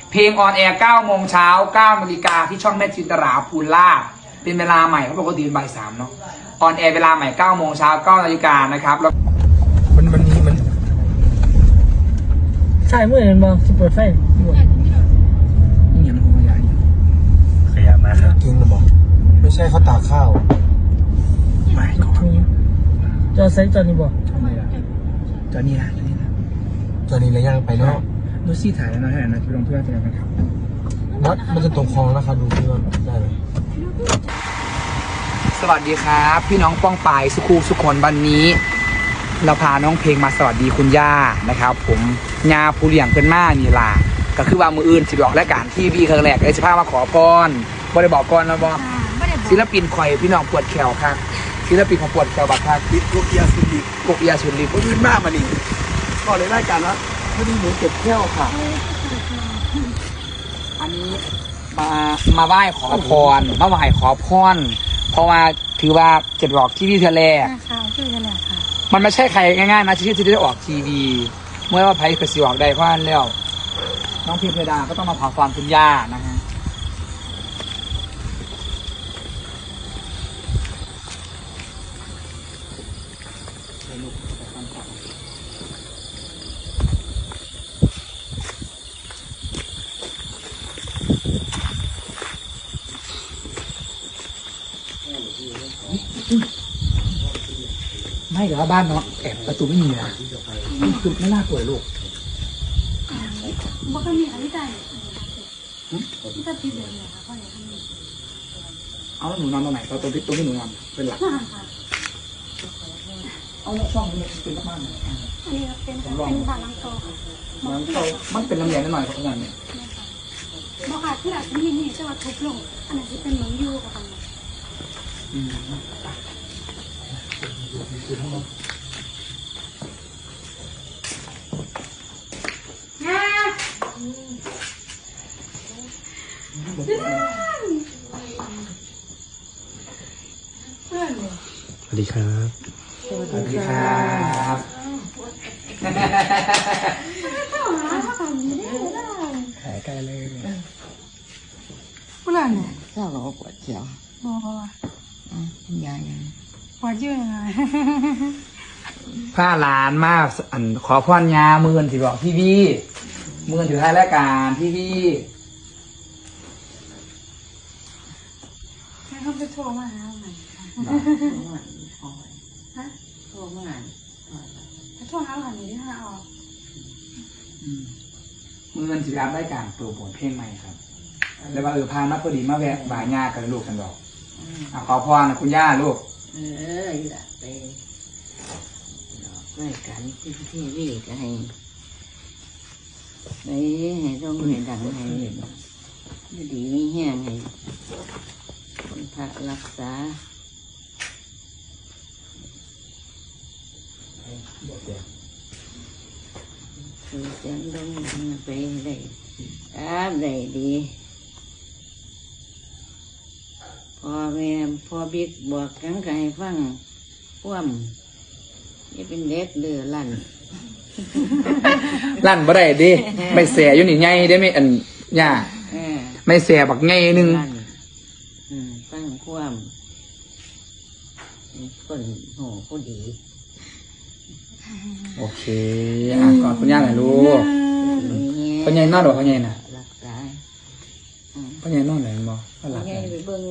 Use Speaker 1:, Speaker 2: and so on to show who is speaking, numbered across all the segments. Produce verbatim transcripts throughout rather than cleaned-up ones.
Speaker 1: เพลงออนแอร์เก้าโมงเช้าเก้านาฬิกาที่ช่องแม่จินตราภูลาภเป็นเวลาใหม่เพราะปกติเป็นบ่ายสามเนาะออนแอร์เวลาใหม่เก้าโมงเช้าเก้านาฬิกานะครับแล้วมันมันนี้มัน
Speaker 2: ใช่เมื่อเห็นมองจะเปิดไฟ
Speaker 1: นี่ยังคงขยาย
Speaker 3: ขยับมาครับ
Speaker 4: จริงหรือเปล่าไม่ใช่เขาตากข้าว
Speaker 1: ไม่ก่อน
Speaker 2: จอไซส์จอนี้บอก
Speaker 1: จอนี่นะจอนี่นะ
Speaker 4: ตอนนี้ระยางไปเนาะ
Speaker 1: ดูซี่ถ่ายแล้วนะให้นะไปลงเพื่อนเจอกันครับ
Speaker 4: นัดมันจะตรงคลองนะครับดูที่ว่าได้ไหม
Speaker 1: สวัสดีครับพี่น้องป้องปายสุขูสุขคนวันนี้เราพาน้องเพลงมาสวัสดีคุณย่านะครับผมยาผู้เลี้ยงเป็นม่านี่ล่ะก็คือว่ามืออื่นสิบอกและการที่วีครั้งแรกเลยสิพามาขอพรบ่ได้บอกก่อนแล้วบอกศิลปินข่อยพี่น้องปวดแขวครับศิลปินของปวดแขวบักครับ
Speaker 4: ปิดกุกยาสุดิบ
Speaker 1: กกยาสุนลิบ
Speaker 4: ขึ้นมากมาดิก็เลยได้การว่าไม่ได้หมูเก็บแก้วค่ะ
Speaker 1: อันนี้มามาไหว้ขอพรมาไหว้ขอพรเพราะว่าถือว่าเจ็ดบอกที่พี่เธอแรก
Speaker 5: ค่ะชื่อกันแหละค่ะ
Speaker 1: มันไม่ใช่ใครง่ายๆนะที่ที่ได้ออกทีวีเมื่อว่าไพ่กระสีออกได้เพราะนั้นแล้วน้องพิมพ์ดาก็ต้องมาขอความคุณย่านะฮะไม่เหรอบ้านเนาะแอบประตูไม่มีนะคือไม่น่ากลัวลูก
Speaker 5: บอกกันมีอะไรใจที่จะพิจารณาค่ะพ่อเนี่ยทำไม
Speaker 1: เอาหนูนอนตรงไหนตรงที่ตรงที่หนูนอนเป็นหลัก
Speaker 5: น่าค่ะ
Speaker 1: เอาช่องนี้เป็นบ้านไหน
Speaker 5: อันนี้เป็นเป็นบาลังโตค่ะ
Speaker 1: มันก็มันเป็นลำแยงนิดหน่อยครับทุกอย่างเนี่ย
Speaker 5: บอกค่ะที่หลังนี่นี่จะว่าทุบลงอันนั้นจะเป็นเหมือนยูกับกัน
Speaker 1: อืม
Speaker 3: สวัสดีครับ
Speaker 1: สวัสดีครับ
Speaker 3: หายใกล้เลย
Speaker 5: ผู้หลานเนี่ย
Speaker 6: เจ้าก็ปวดเขียว
Speaker 5: บอกว่า
Speaker 6: อ่ะยายยัง
Speaker 5: ปวดยืดยังไง
Speaker 1: ผ้าล้านมากอันขอพรยามือนสิบอกพี่พี่มือนถือท้ายรายการพี่พี่
Speaker 5: ให้เขาไปโทรมาหาใหม่ ฮะ
Speaker 6: โทรมา
Speaker 5: โทรหาใหม่ที่ห้าออก
Speaker 1: มือนถือรับรายการตัวบทเพลงใหม่ครับแล้วว่าเออพานักพอดีมาแวะบ่ายญากันลูกกันดอกอ่ะขอพรนะคุณย่าลูก
Speaker 6: เอออีหละไปรายการที่ที่วีก็ให้ไปให้ต้องให้ดังให้ไม่ดีไม่แห้งให้คนพระรักษาคือเสียงดงไปได้ตามได้ดีพอแม่พอบิ๊กบอกกันก็ให้ฟังพ่วมนี่เป็นเด็กเดือลั่น
Speaker 1: ลั่นบ่ได้ดิไม่แสอยู่นี่ไงได้ไหมอันย่า
Speaker 6: เออ
Speaker 1: ไม่แสบักไงนึง
Speaker 6: ลั่นอืมฟังพ่วมคนโหผู้ดี
Speaker 1: โอเคอ่ะก่อนคุณย่าหน่อยลูกพ่อใหญ่นอนหรอพ่อใหญ่น่ะ
Speaker 6: รักษาอืม
Speaker 1: พ่อใหญ่นอนไหนบ่พ่อหลับ
Speaker 6: ไง
Speaker 1: ไหน
Speaker 6: ไปเบิ่ง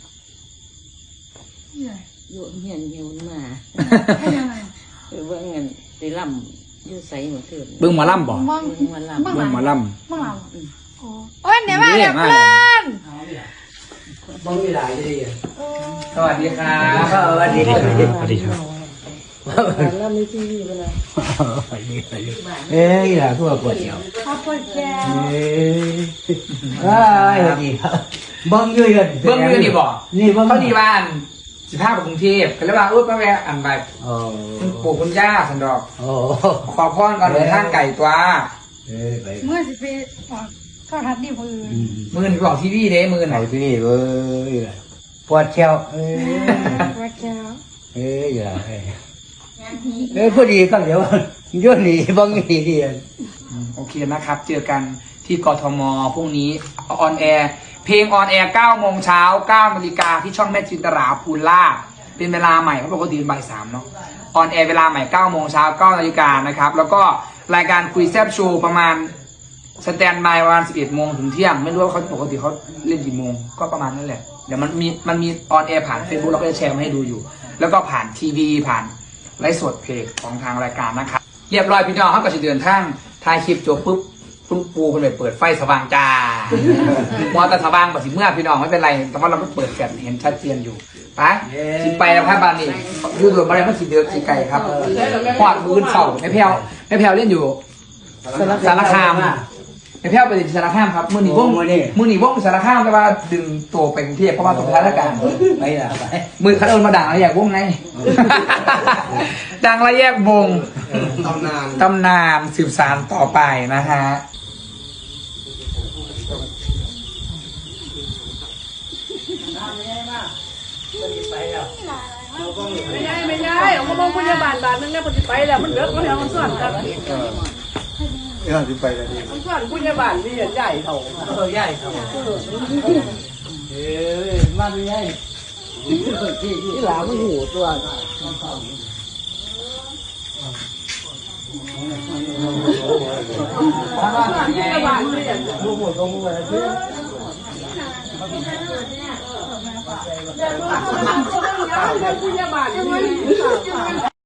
Speaker 5: ใหญ่
Speaker 6: อยู่เฮียนเฮียนมา
Speaker 5: ให้ยังไง
Speaker 6: ไปเบิ่งเงินไปล่ำอยู่ใส่หมดเถิด
Speaker 1: เบิ่งหมอลำบ่
Speaker 5: บ้าง
Speaker 6: เบิ่งมาล่ำ
Speaker 1: เบิ่งหมอล
Speaker 5: บ้างเราโอ้โอ้ยเดี๋ยวมาเดี๋ยวเพื่อน
Speaker 1: ำบ่มีหลายดีสวัสดีครับสวัสดีครับ
Speaker 3: สวัสดีครับ
Speaker 6: แล้วไม่ที่นี่ไปเลย
Speaker 4: เอ้ยหล่ะทั่วปวดเขียว
Speaker 5: ขอบคุณแก
Speaker 4: เอ้ยว้ายสวัสดีครับบังยืดกัน
Speaker 1: เบิ่งอยู่นี่บ่
Speaker 4: นี่บัง
Speaker 1: เขาดีบ้านสิพาไปกรุงเทพก็เลยว่าเออมาแวะอันไป
Speaker 4: โอ้
Speaker 1: คุณปู่คุณย่าสันดอก
Speaker 4: โอ้
Speaker 1: ขอพรก่อนเดินทางไก่ตัว
Speaker 4: เอ้ยไป
Speaker 5: เมื่อสิไปออกก็ทัดดีกว่าอื่น
Speaker 1: มือหนึ่งบอกทีวีเด้มือไหน
Speaker 4: ไหนพี่เว้ยปวดเขียวเอ้ย
Speaker 5: ปวดแก
Speaker 4: เอ้ยอย่าเอ้ยเอ้ยพอดีก็เดี๋ยวโยนหนีบังหนีเดียน
Speaker 1: โอเคนะครับ เจอกันที่กทมพรุ่งนี้ออนแอร์เพลงออนแอร์เก้าโมงเช้าเก้านาฬิกาที่ช่องแม่จินตราภูลาภเป็นเวลาใหม่เพราะปกติเป็นบ่ายสามเนาะออนแอร์เวลาใหม่เก้าโมงเช้าเก้านาฬิกานะครับแล้วก็รายการคุยแซบโชว์ประมาณสแตนบายประมาณสิบเอ็ดโมงถึงเที่ยงไม่รู้ว่าเขาปกติเขาเล่นกี่โมงก็ประมาณนั้นแหละเดี๋ยวมันมีมันมีออนแอร์ผ่านเฟซบุ๊กเราก็จะแชร์มาให้ดูอยู่แล้วก็ผ่านทีวีผ่านไลฟ์สดเพจของทางรายการนะครับเรียบร้อยพี่น้องเขาก็จะเดินทางถ่ายคลิปจบปุ๊บคุณปูคนไปเปิดไฟสว่างจ้ามอแต่สว่างแบบสิเมื่อพี่น้องไม่เป็นไรแต่ว่าเราไม่เปิดแฟลชเห็นชัดเจนอยู่ไปสิไปแล้วครับบ้านนี้ยูโรมาเลยมันสีเดือดสีไก่ครับหอดมือเสาไม่แพ้วไม่แพ้วเล่นอยู่สารคามไม่แพ้วไปที่สารคามครับมือหนีวงมือหนีวงสารคามแต่ว่าดึงตัวไปกรุงเทพเพราะว่าตรงสถานการณ์
Speaker 4: ไปละไป
Speaker 1: มือคัดเอิญมาด่างอะไรแยกวงไง ดังและแยกวงตำนานตำนานสืบสานต่อไปนะฮะ
Speaker 2: ไม่ได้ไม่ได้เอามาลงพยาบาลบาทนึงแล้วปฏิไปแล้วมันเลิกแล้วมันส่วนกัน
Speaker 3: เออที่ไปแล้วดิ
Speaker 2: มันส่วนพยาบาลที่ใหญ่เท่า
Speaker 4: เออใหญ่ครับเอ้ยมาไม่ใหญ่ที่หลาไม่หูตัว
Speaker 2: พยาบาลที่ใหญ่
Speaker 4: ดูหมดตรงมือเลยที่
Speaker 2: พยาบาลที่